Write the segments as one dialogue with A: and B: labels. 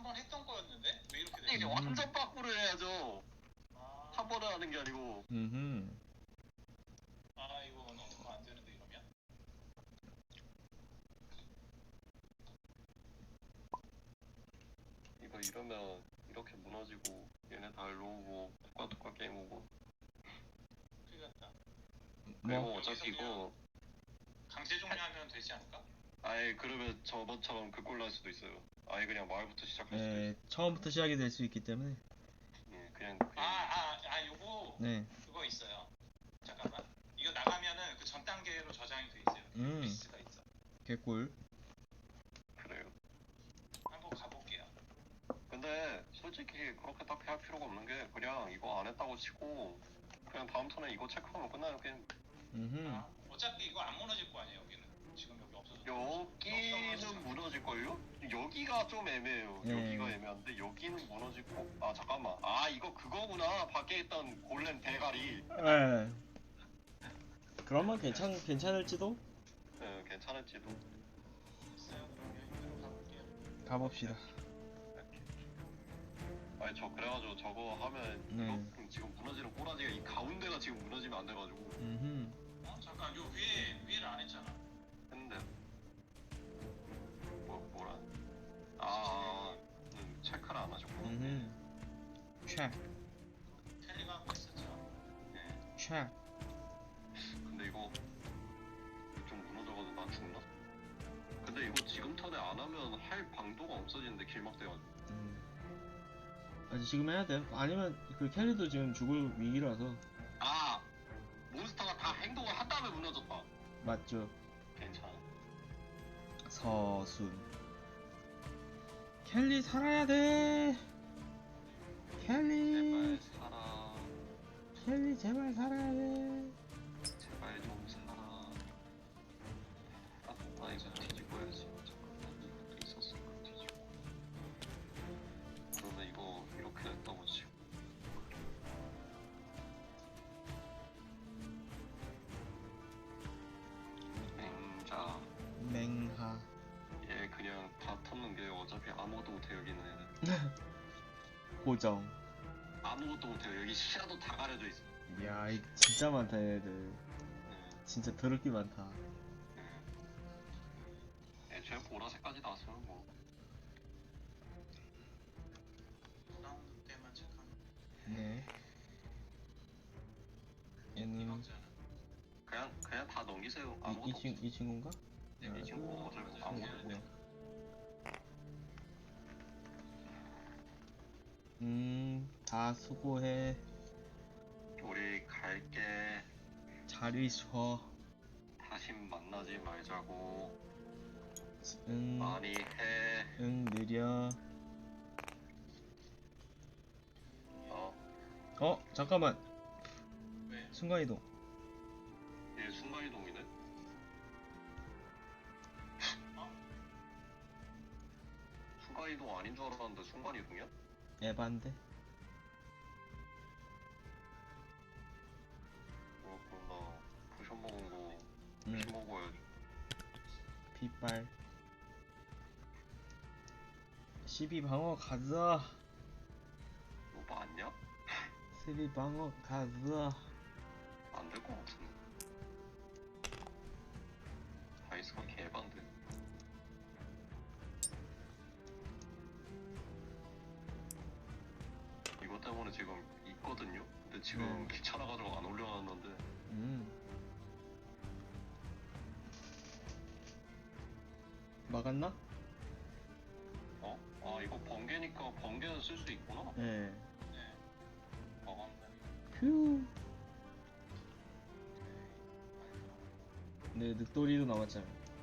A: 번 했던 거였는데 왜 이렇게
B: 이제
A: 되지?
B: 완전 빠꾸를 해야죠.
A: 아,
B: 한 번에 하는 게 아니고.
A: 아 이거는 어떻게 안 되는데 이러면?
B: 이거 이러면 이렇게 무너지고 얘네 다 일로 오고 똑같 게임 오고.
A: 큰일 났다.
B: 그리고 어차피 이거
A: 강제 종료하면 되지 않을까?
B: 아예 그러면 저번처럼 그 꼴 날 수도 있어요. 아예 그냥 마을부터 시작할 수도
C: 네,
B: 있어요.
C: 처음부터 시작이 될 수 있기 때문에.
B: 예, 그냥
A: 요거
C: 네.
A: 그거 있어요. 잠깐만. 이거 나가면은 그 전 단계로 저장이 돼 있어요. 리스트가 있어.
C: 개꿀.
B: 그래요.
A: 한번 가볼게요.
B: 근데 솔직히 그렇게 딱히 할 필요가 없는 게 그냥 이거 안 했다고 치고 그냥 다음 턴에 이거 체크하면 끝나요. 그냥
A: 어차피 이거 안 무너질 거 아니에요 여기는. 지금 여기 없어서.
B: 여기는 무너질걸요? 여기가 좀 애매해요.
C: 네.
B: 여기가 애매한데 여기는 무너질 거. 아 잠깐만. 아 이거 그거구나. 밖에 있던 골렘 대가리.
C: 네. 그러면 괜찮을지도?
B: 네, 괜찮을지도.
A: 있어요. 그러면 이대로 가볼게요.
C: 가봅시다.
B: 아니 저 그래가지고 저거 하면
C: 네.
B: 이거 지금 무너지는 꼬라지가 이 가운데가 지금 무너지면 안 돼가지고
A: 잠깐 요 위에를 안 했잖아.
B: 했는데 뭐라? 체크를 안 하셨구나.
C: 샥.
A: 텔리가 한거 있었죠.
B: 네.
C: 샥.
B: 근데 이거 좀 무너져가지고 나 죽나? 근데 이거 지금 턴에 안 하면 할 방도가 없어지는데 길막돼가지고.
C: 아직 지금 해야 돼. 아니면 그 캐리도 지금 죽을 위기라서.
B: 아 몬스터가 다 행동을 한 다음에 무너졌다.
C: 맞죠.
B: 괜찮아.
C: 서순. 켈리 살아야 돼. 켈리.
B: 제발 살아.
C: 켈리 제발 살아야 돼.
B: 제발 좀 살아. 나 이거 뒤집어 야지. 잠깐만 이것도 있었으니까 뒤집어. 그러면 이거 이렇게 됐다고 치고. 맹자.
C: 맹하.
B: 얘 그냥 다 터는 게 어차피 아무것도 못해 여기는 애는.
C: 고정.
B: 아무것도 못해요. 여기 시야도 다 가려져 있어.
C: 이야, 이 진짜 많다 얘네들. 진짜 더럽게 많다.
B: 애초에 보라색까지 나왔으면 뭐.
A: 라운드 때만 체크하면.
C: 네. 얘는
B: 그냥 다 넘기세요. 아무것도 없어.
C: 이 친구인가?
B: 이 친구 어차피 아무것도 못해.
C: 다 수고해.
B: 우리 갈게.
C: 잘 있어.
B: 다시 만나지 말자고.
C: 응.
B: 많이 해.
C: 응, 느려. 잠깐만.
A: 왜?
C: 순간이동.
B: 얘 순간이동이네. 순간이동 아닌 줄 알았는데 순간이동이야?
C: 에반데.
B: 그렇구나. 포션 먹은 거 다시 먹어야지.
C: 빗발. 12방어 가자.
B: 너 맞냐?
C: 12방어 가자.
B: 안 될 것 같은데. 다이스가 개반데. 이것 때문에 지금 있거든요? 근데 지금 귀찮아가지고 안 올려놨는데.
C: 막았나?
B: 이거 번개니까 번개는 쓸 수 있구나?
C: 네.
B: 막았네.
C: 휴. 네, 늑돌이도 남았잖아.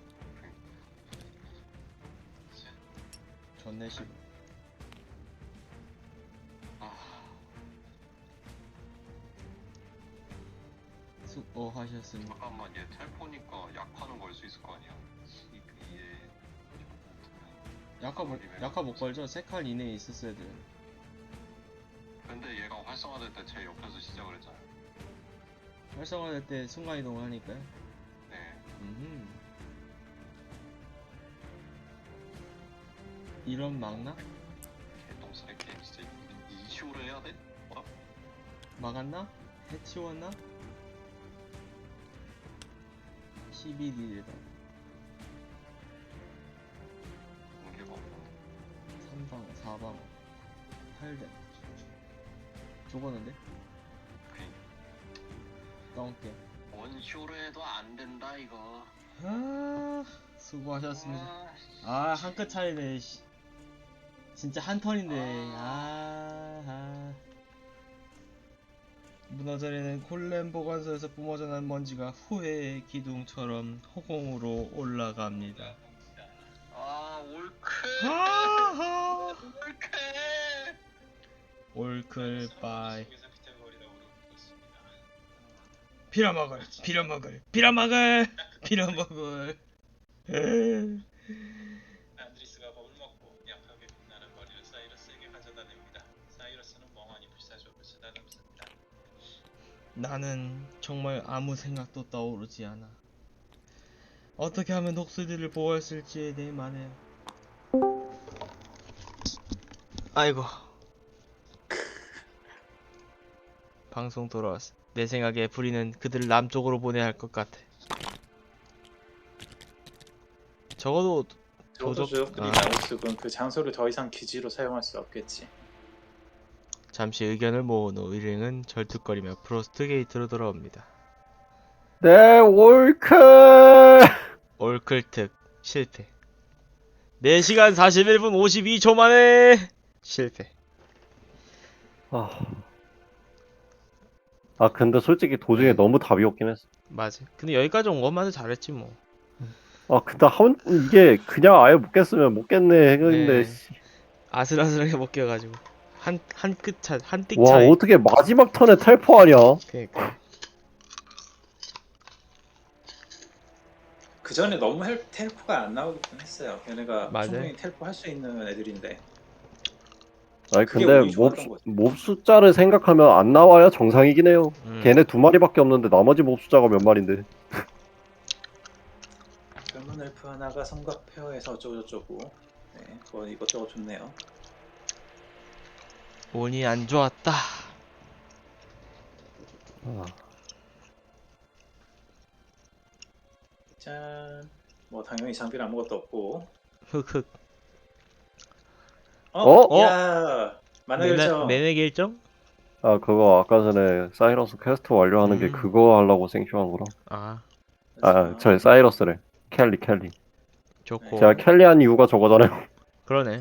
C: 전내 씨. 수고하셨습니다.
B: 잠깐만, 얘 텔포니까 약화는 걸 수 있을 거 아니야? 얘
C: 약화 못 걸죠? 3칸 이내에 있었어야 돼.
B: 근데 얘가 활성화될 때 제 옆에서 시작을 했잖아.
C: 활성화될 때 순간이동을 하니까요.
B: 네.
C: 이런 막나?
B: 원시우로 해야 돼? 뭐야?
C: 막았나? 해치웠나? 12딜이다.
B: 공개가 없네.
C: 3방, 4방, 8대. 죽었는데?
B: 오케이.
C: 다운게.
B: 원시우로 해도 안 된다 이거.
C: 아, 수고하셨습니다.
B: 아,
C: 한 끗 차이네, 씨. 진짜 한 턴인데, 무너져내는 콜렘 보관소에서 뿜어져 난 먼지가 후회의 기둥처럼 허공으로 올라갑니다.
B: 아 올크.
C: 하하!
B: 올크.
C: 올클 바이.
A: 속에서 비틀거리다 오르고 있습니다.
C: 빌어먹을, 빌어먹을, 빌어먹을, 빌어먹을.
A: 안드리스가 법을 먹고 약하게 빛나는 머리를 사이러스에게 가져다 냅니다. 사이러스는 멍하니 불사조를 쓰다듬습니다.
C: 나는 정말 아무 생각도 떠오르지 않아. 어떻게 하면 녹슬들을 보호할 수 있을지에 대해 말해요. 아이고. 방송 돌아왔어. 내 생각에 부리는 그들을 남쪽으로 보내야 할 것 같아. 적어도
D: 저도죠. 그리고 나우스군 그 장소를 더 이상 기지로 사용할 수 없겠지.
C: 잠시 의견을 모은 후 일행은 절뚝거리며 프로스트 게이트로 돌아옵니다.
E: 네, 올크!
C: 올클특 실패. 4시간 41분 52초 만에 실패.
E: 근데 솔직히 도중에 너무 답이 없긴 했어.
C: 맞아. 근데 여기까지 온 것만 해도 잘했지 뭐.
E: 근데 이게 그냥 아예 못 깼으면 못 깼네 했는데,
C: 네. 아슬아슬하게 못 껴가지고 한 끗 차, 한 띡
E: 와,
C: 차이.
E: 어떻게 마지막 턴에 텔포하냐?
C: 그러니까.
D: 그 전에 너무 텔포가 안 나오긴 했어요. 걔네가
C: 맞아요.
D: 충분히 텔포 할 수 있는 애들인데.
E: 아니,
D: 그게
E: 근데
D: 운이 좋았던 거지.
E: 몹 숫자를 생각하면 안 나와야 정상이긴 해요.
C: 음.
E: 걔네 2마리밖에 없는데 나머지 몹 숫자가 몇 마리인데.
D: 젊은 엘프 하나가 성곽 페어에서 어쩌고저쩌고. 네, 그거 이것저것 좋네요.
C: 운이 안 좋았다.
D: 짠. 뭐 당연히 장비는 아무것도 없고.
C: 흑흑.
D: 야, 만화결정.
C: 매네 결정?
E: 그거 아까 전에 사이러스 퀘스트 완료하는 게 그거 하려고 생쇼한 거라. 저 사이러스래. 켈리.
C: 좋고.
E: 제가 켈리 한 이유가 저거잖아요.
C: 그러네.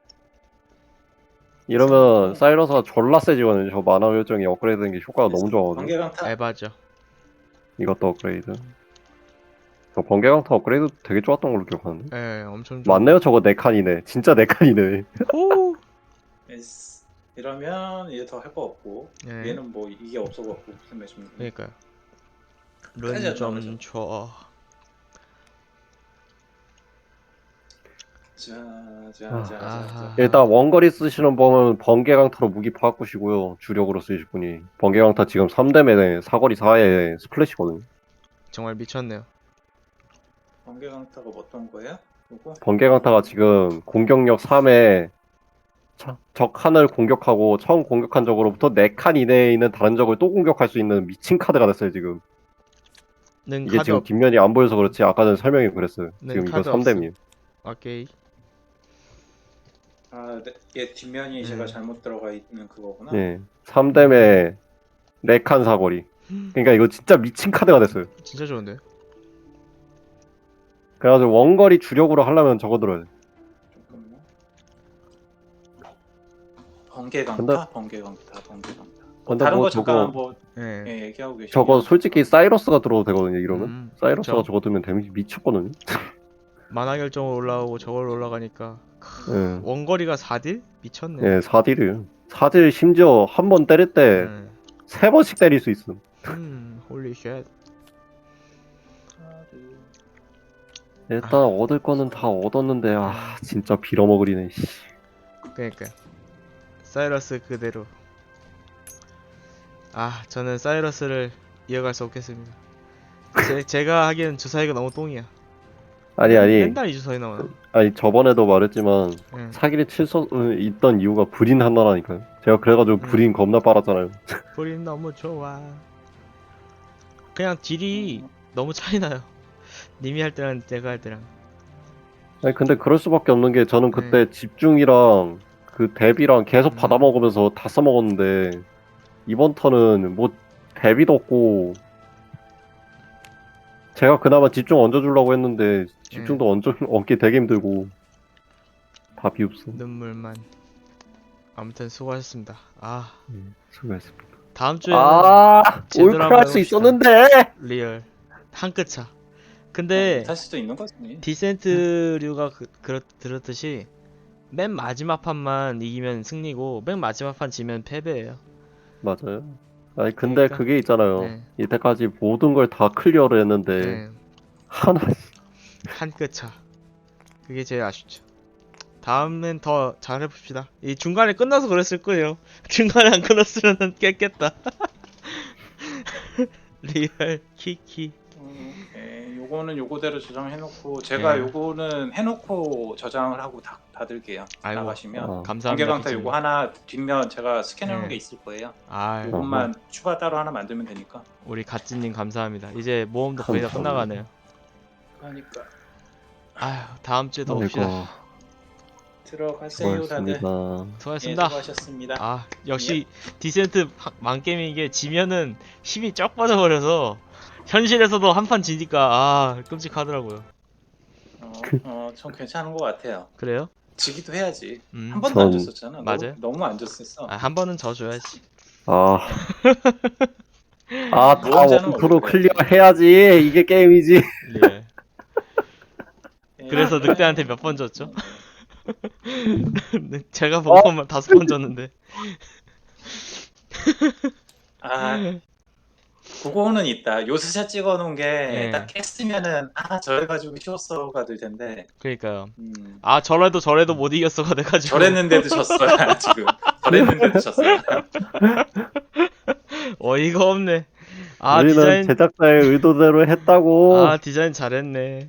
E: 이러면 사이러스가 졸라 세지거든요. 저 만화 결정이 업그레이드 된 게 효과가 너무 좋아가지고.
D: 번개강타.
C: 에바죠.
E: 이것도 업그레이드. 저 번개강타 업그레이드 되게 좋았던 걸로 기억하는데.
C: 예, 엄청 좋아.
E: 맞네요. 저거 4칸이네. 진짜 4칸이네.
C: 호!
D: 예스. 이러면 얘 더 할 거 없고.
C: 예.
D: 얘는 뭐 이게 없어갖고 무슨 매좀.
C: 그러니까요.
D: 끝까지 안
C: 룬좀
D: 나오죠.
C: 줘.
D: 자.
E: 일단 원거리 쓰시는 분은 번개강타로 무기 바꾸시고요. 주력으로 쓰실 분이. 번개강타 지금 3대매네. 사거리 4에 스플래시거든요.
C: 정말 미쳤네요.
D: 번개강타가 어떤 거야? 이거?
E: 번개강타가 지금 공격력 3에 적 칸을 공격하고 처음 공격한 적으로부터 4칸 이내에 있는 다른 적을 또 공격할 수 있는 미친 카드가 됐어요 지금.
C: 는
E: 이게
C: 카드
E: 지금
C: 없.
E: 뒷면이 안 보여서 그렇지 아까 전에 설명이 그랬어요.
C: 네,
E: 지금 이거
C: 카드
E: 3댐이에요.
C: 오케이.
D: 얘 뒷면이 제가
C: 음.
D: 잘못 들어가 있는 그거구나.
E: 예. 3댐에 4칸 사거리. 그러니까 이거 진짜 미친 카드가 됐어요.
C: 진짜 좋은데.
E: 그래가지고 원거리 주력으로 하려면 저거 들어야 돼.
D: 잠깐만. 번개강타.
E: 근데
D: 다른
E: 뭐
D: 거 잠깐만
E: 저거
D: 뭐
C: 예.
D: 예, 얘기하고 계시죠.
E: 저거 솔직히 사이러스가 들어도 되거든요 이러면. 사이러스가
C: 그쵸.
E: 저거 들면 데미지 미쳤거든요.
C: 만화 결정으로 올라오고 저걸 올라가니까
E: 예.
C: 원거리가 4딜? 미쳤네.
E: 예, 4딜이에요. 4딜 심지어 한 번 때릴 때
C: 음.
E: 3번씩 때릴 수 있음.
C: 홀리 쉣.
E: 일단 얻을 거는 다 얻었는데 진짜 빌어먹으리네. 씨.
C: 그러니까 사이러스 그대로. 저는 사이러스를 이어갈 수 없겠습니다. 제가 하기엔 주사위가 너무 똥이야.
E: 아니
C: 맨날 이주서에 나와요.
E: 아니 저번에도 말했지만
C: 예.
E: 사기를 칠 수 있던 이유가 불인 하나라니까요. 제가 그래가지고 불인 겁나 빨았잖아요.
C: 불인 너무 좋아. 그냥 딜이 너무 차이 나요. 님이 할 때랑 내가 할 때랑.
E: 아니 근데 그럴 수밖에 없는 게 저는 그때 집중이랑 그 대비랑 계속 받아먹으면서 다 써먹었는데 이번 턴은 뭐 대비도 없고 제가 그나마 집중 얹어주려고 했는데 집중도 얹기 되게 힘들고 다 비읍소.
C: 눈물만. 아무튼 수고하셨습니다. 아,
E: 수고했습니다.
C: 다음 주에는 제대로
E: 올클
C: 한번
E: 할 수
C: 해봅시다.
E: 있었는데.
C: 리얼 한 끗 차. 근데
D: 할 수도 있는 거지.
C: 디센트류가 들었듯이 맨 마지막 판만 이기면 승리고 맨 마지막 판 지면 패배예요.
E: 맞아요. 아니 근데
C: 그러니까,
E: 그게 있잖아요.
C: 네.
E: 이때까지 모든 걸 다 클리어를 했는데
C: 네.
E: 하나
C: 한 끗 차. 그게 제일 아쉽죠. 다음엔 더 잘해봅시다. 이 중간에 끝나서 그랬을 거예요. 중간에 안 끝났으면 깼겠다. 리얼 키키.
D: 요거는 요거대로 저장해놓고 제가
C: 예.
D: 요거는 해놓고 저장을 하고 닫을게요.
C: 아이고,
D: 나가시면
C: 감사합니다.
D: 관계강타
C: 기준님.
D: 요거 하나 뒷면 제가 스캔해놓은
C: 예.
D: 게 있을 거예요.
C: 아,
D: 요것만 추가 따로 하나 만들면 되니까.
C: 우리 갓지님 감사합니다. 이제 모험도 거의 다
E: 감사합니다.
C: 끝나가네요.
D: 그러니까
C: 아휴, 다음 주에 더 봅시다.
E: 아이고
D: 들어가세요 다들.
E: 수고하셨습니다.
D: 예,
C: 수고하셨습니다.
D: 수고하셨습니다.
C: 아, 역시 디센트 망게임인 게 지면은 힘이 쩍 빠져버려서 현실에서도 한 판 지니까 아, 끔찍하더라고요.
D: 전 괜찮은 것 같아요.
C: 그래요?
D: 지기도 해야지.
C: 음.
D: 한 번도 안
E: 전-
D: 줬었잖아.
C: 맞아요.
D: 너무 안 줬었어.
C: 아, 한 번은 져줘야지.
E: 다
D: 모험자는
E: 원프로
D: 원래
E: 클리어 해야지. 이게 게임이지.
C: 리얼.
D: 예.
C: 그래서 늑대한테 몇 번 졌죠? 제가 본 것만 5번 졌는데.
D: 그거는 있다. 요스샷 찍어놓은 게
C: 네.
D: 딱 깼으면은 저래가지고 쉬웠어가 될 텐데.
C: 그러니까요. 아, 저래도 못 이겼어가 돼가지고.
D: 저랬는데도 졌어요 지금. 저랬는데도 졌어요.
C: 어이가 없네. 아,
E: 우리는
C: 디자인.
E: 제작자의 의도대로 했다고.
C: 아, 디자인 잘했네.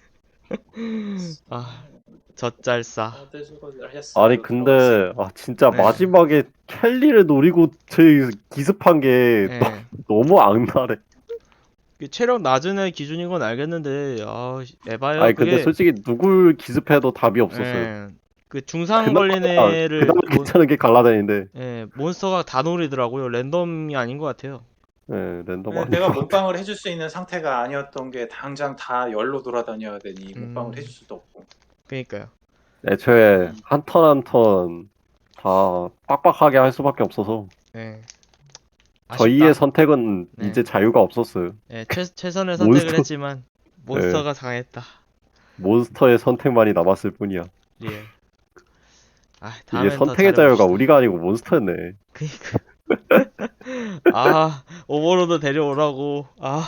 C: 아, 젖잘싸.
D: 다들 수고들 하셨어요.
E: 아니 근데 진짜
C: 네.
E: 마지막에 켈리를 노리고 저희 기습한 게
C: 예.
E: 너무 악랄해.
C: 그 체력 낮은 애 기준인 건 알겠는데, 아, 에바야.
E: 아니 근데 솔직히 누굴 기습해도 답이 없었어요.
C: 예. 그 중상 걸린 애를
E: 그나마 괜찮은 게 갈라다니는데
C: 몬스터가 다 노리더라고요. 랜덤이 아닌 것 같아요.
E: 랜덤
D: 네,
E: 아니고.
D: 내가 몸빵을 해줄 수 있는 상태가 아니었던 게 당장 다 열로 돌아다녀야 되니 몸빵을 해줄 수도 없고.
C: 그러니까요.
E: 애초에 한 턴 한 턴 다 빡빡하게 할 수밖에 없어서
C: 예.
E: 저희의
C: 아쉽다.
E: 선택은
C: 네.
E: 이제 자유가 없었어요.
C: 예, 최선의 선택을
E: 몬스터-
C: 했지만 몬스터가 강했다.
E: 몬스터의 선택만이 남았을 뿐이야.
C: 리얼. 아,
E: 이게
C: 다음엔 더
E: 선택의 자유가
C: 잘해봅시다.
E: 우리가 아니고 몬스터였네.
C: 그니까. 아, 오버로드 데려오라고. 아,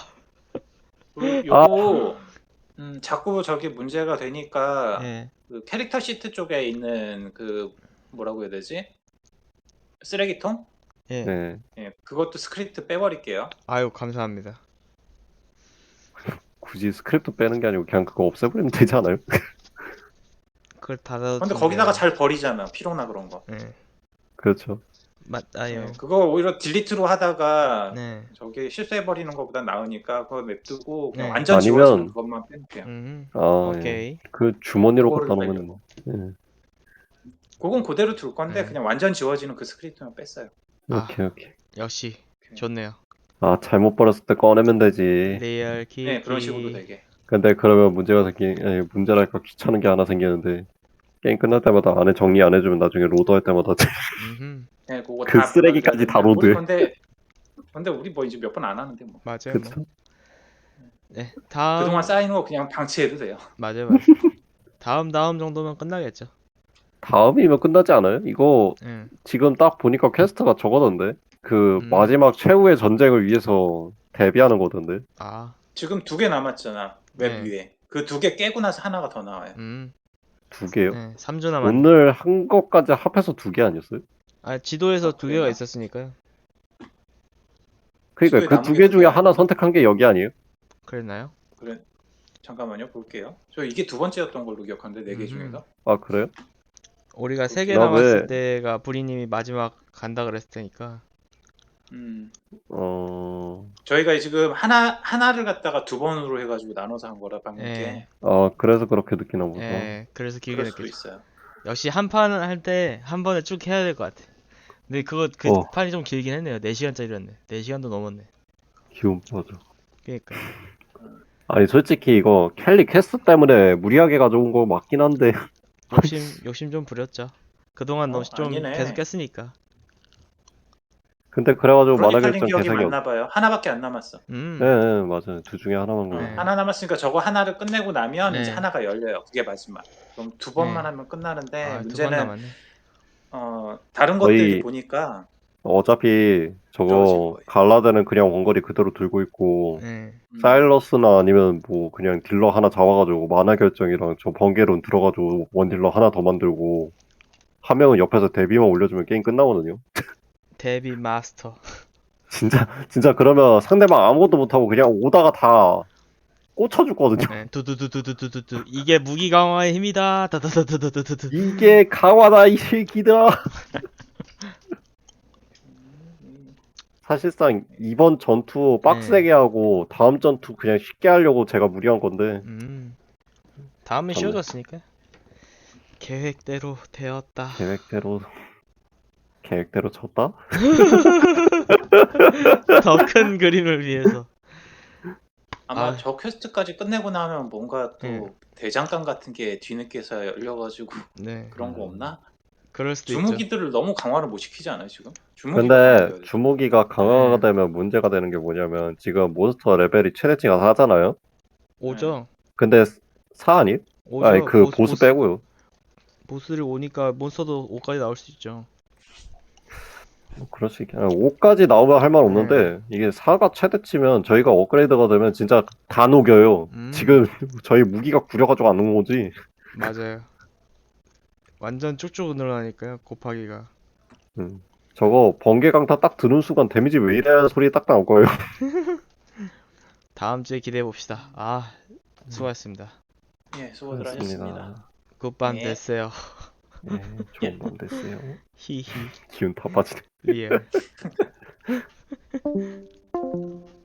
D: 요거 자꾸 저기 문제가 되니까
C: 예.
D: 그 캐릭터 시트 쪽에 있는 그 뭐라고 해야 되지? 쓰레기통?
C: 예.
E: 네.
D: 예, 그것도 스크립트 빼버릴게요.
C: 아유, 감사합니다.
E: 굳이 스크립트 빼는 게 아니고 그냥 그거 없애버리면 되지 않아요?
C: 그걸 닫아도.
D: 근데 거기다가 잘 버리잖아. 피로나 그런 거.
C: 예.
E: 그렇죠.
C: 맞아요.
D: 예, 그거 오히려 딜리트로 하다가
C: 네.
D: 저기 실수해버리는 것보다 나으니까 그거 냅두고 그냥
C: 네.
D: 완전
E: 아니면-
D: 지워지는 그것만 빼놓을게요.
E: 아, 예.
C: 오케이.
E: 그 주머니로
D: 그거를
E: 갖다 놓으면 뭐. 예.
D: 그건 그대로 둘 건데
C: 네.
D: 그냥 완전 지워지는 그 스크립트만 뺐어요.
C: 아.
E: 오케이.
C: 역시 좋네요.
E: 아, 잘못 버렸을 때 꺼내면 되지.
C: 리얼 키.
D: 네, 그런 식으로 되게.
E: 근데 그러면 문제랄까 귀찮은 게 하나 생기는데 게임 끝날 때마다 안에 정리 안 해주면 나중에 로드할 때마다
C: 음흠.
D: 네, 그거
E: 그 쓰레기까지 다 로드해.
D: 근데 우리 뭐 이제 몇 번 안 하는데 뭐.
C: 맞아요.
E: 그쵸?
C: 뭐. 네. 다음.
D: 그동안 쌓이는 거 그냥 방치해도 돼요.
C: 맞아요. 다음 정도면 끝나겠죠.
E: 다음이면 끝나지 않아요? 이거
C: 예.
E: 지금 딱 보니까 퀘스트가 저거던데 그 마지막 최후의 전쟁을 위해서 대비하는 거던데.
C: 아.
D: 지금 2개 남았잖아. 웹
C: 네.
D: 위에. 그 2개 깨고 나서 하나가 더 나와요.
E: 2개요?
C: 네. 3주 남았.
E: 오늘 한 것까지 합해서 2개 아니었어요?
C: 아, 지도에서 두 개가
D: 그래요?
C: 있었으니까요.
E: 그러니까
D: 지도에
E: 그
D: 남은
E: 2개
D: 게
E: 중에
D: 두 개야.
E: 하나 선택한 게 여기 아니에요?
C: 그랬나요?
D: 그래. 잠깐만요, 볼게요. 저 이게 두 번째였던 걸로 기억하는데 네 개 중에서.
E: 아 그래요?
C: 우리가 3개
E: 나
C: 남았을
E: 왜-
C: 때가 부리님이 마지막 간다 그랬을 테니까.
D: 저희가 지금 하나를 갖다가 두 번으로 해가지고 나눠서 한 거라 방금
C: 예.
D: 게.
E: 그래서 그렇게 느끼나 보다.
C: 예, 그래서 길게
D: 그럴 수도
C: 느껴져.
D: 있어요.
C: 역시 한 판을 할 때 한 번에 쭉 해야 될 것 같아. 근데 그
E: 어.
C: 판이 좀 길긴 했네요. 4시간짜리였네. 4시간도 넘었네.
E: 기운 빠져.
C: 그러니까.
E: 아니 솔직히 이거 켈리 퀘스트 때문에 무리하게 가져온 거 맞긴 한데
C: 욕심 좀 부렸죠. 그동안 너무 좀
D: 아니네.
C: 계속 깼으니까.
E: 근데 그래가지고 만화
D: 크로니컬링
E: 결정
D: 기억이
E: 개색이 없.
D: 맞나 봐요. 하나밖에 안 남았어.
E: 네, 맞아요. 둘 중에 하나만 걸려.
C: 네.
D: 하나 남았으니까 저거 하나를 끝내고 나면
C: 네.
D: 이제 하나가 열려요. 그게 마지막. 그럼 두 번만
C: 네.
D: 하면 끝나는데
C: 아, 2번
D: 문제는
C: 남았네.
D: 다른
E: 거의-
D: 것들이 보니까
E: 어차피
D: 떨어질
E: 저거
D: 거예요.
E: 갈라데는 그냥 원거리 그대로 들고 있고
C: 네.
E: 사일러스나 아니면 뭐 그냥 딜러 하나 잡아가지고 만화 결정이랑 저 번개론 들어가지고 원 딜러 하나 더 만들고 한 명은 옆에서 데뷔만 올려주면 게임 끝나거든요.
C: 데뷔 마스터.
E: 진짜 그러면 상대방 아무것도 못하고 그냥 오다가 다 꽂혀주거든요.
C: 네. 두두두두두두두. 이게 무기 강화의 힘이다. 다다다다다다다.
E: 이게 강화다 이 새끼들아. 사실상 이번 전투 빡세게 하고 다음 전투 그냥 쉽게 하려고 제가 무리한 건데
C: 다음은
E: 맞네.
C: 쉬워졌으니까. 계획대로 되었다.
E: 계획대로 쳤다?
C: 더 큰 그림을 위해서.
D: 아마
C: 아.
D: 저 퀘스트까지 끝내고 나면 뭔가 또
C: 네.
D: 대장간 같은 게 뒤늦게서 열려가지고
C: 네.
D: 그런 거 없나?
C: 그럴 수도 있죠.
D: 주무기들을 너무 강화를 못 시키지 않아요 지금? 주무기가
E: 근데
D: 강화돼야 돼.
E: 주무기가 강화가
C: 네.
E: 되면 문제가 되는 게 뭐냐면 지금 몬스터 레벨이 최대치가 4잖아요?
C: 5죠.
E: 근데 4 아니?
C: 5죠.
E: 아니 그 보스 빼고요.
C: 보스를 오니까 몬스터도 5까지 나올 수 있죠.
E: 뭐 그럴 수 있긴 5까지 나오면 할 말 없는데 이게 4가 최대치면 저희가 업그레이드가 되면 진짜 다 녹여요. 지금 저희 무기가 구려가지고 안 녹은 거지.
C: 맞아요. 완전 쭉쭉 늘어나니까요. 곱하기가.
E: 저거 번개 강타 딱 드는 순간 데미지 왜 이래 하는 소리 딱 나올 거예요.
C: 다음 주에 기대해 봅시다. 아, 수고하셨습니다.
D: 예, 수고들 하셨습니다.
C: 굿밤
D: 네.
C: 됐어요.
E: 예, 좋은 밤 되세요.
C: 히히.
E: 기운 다 빠지네.
C: 리얼.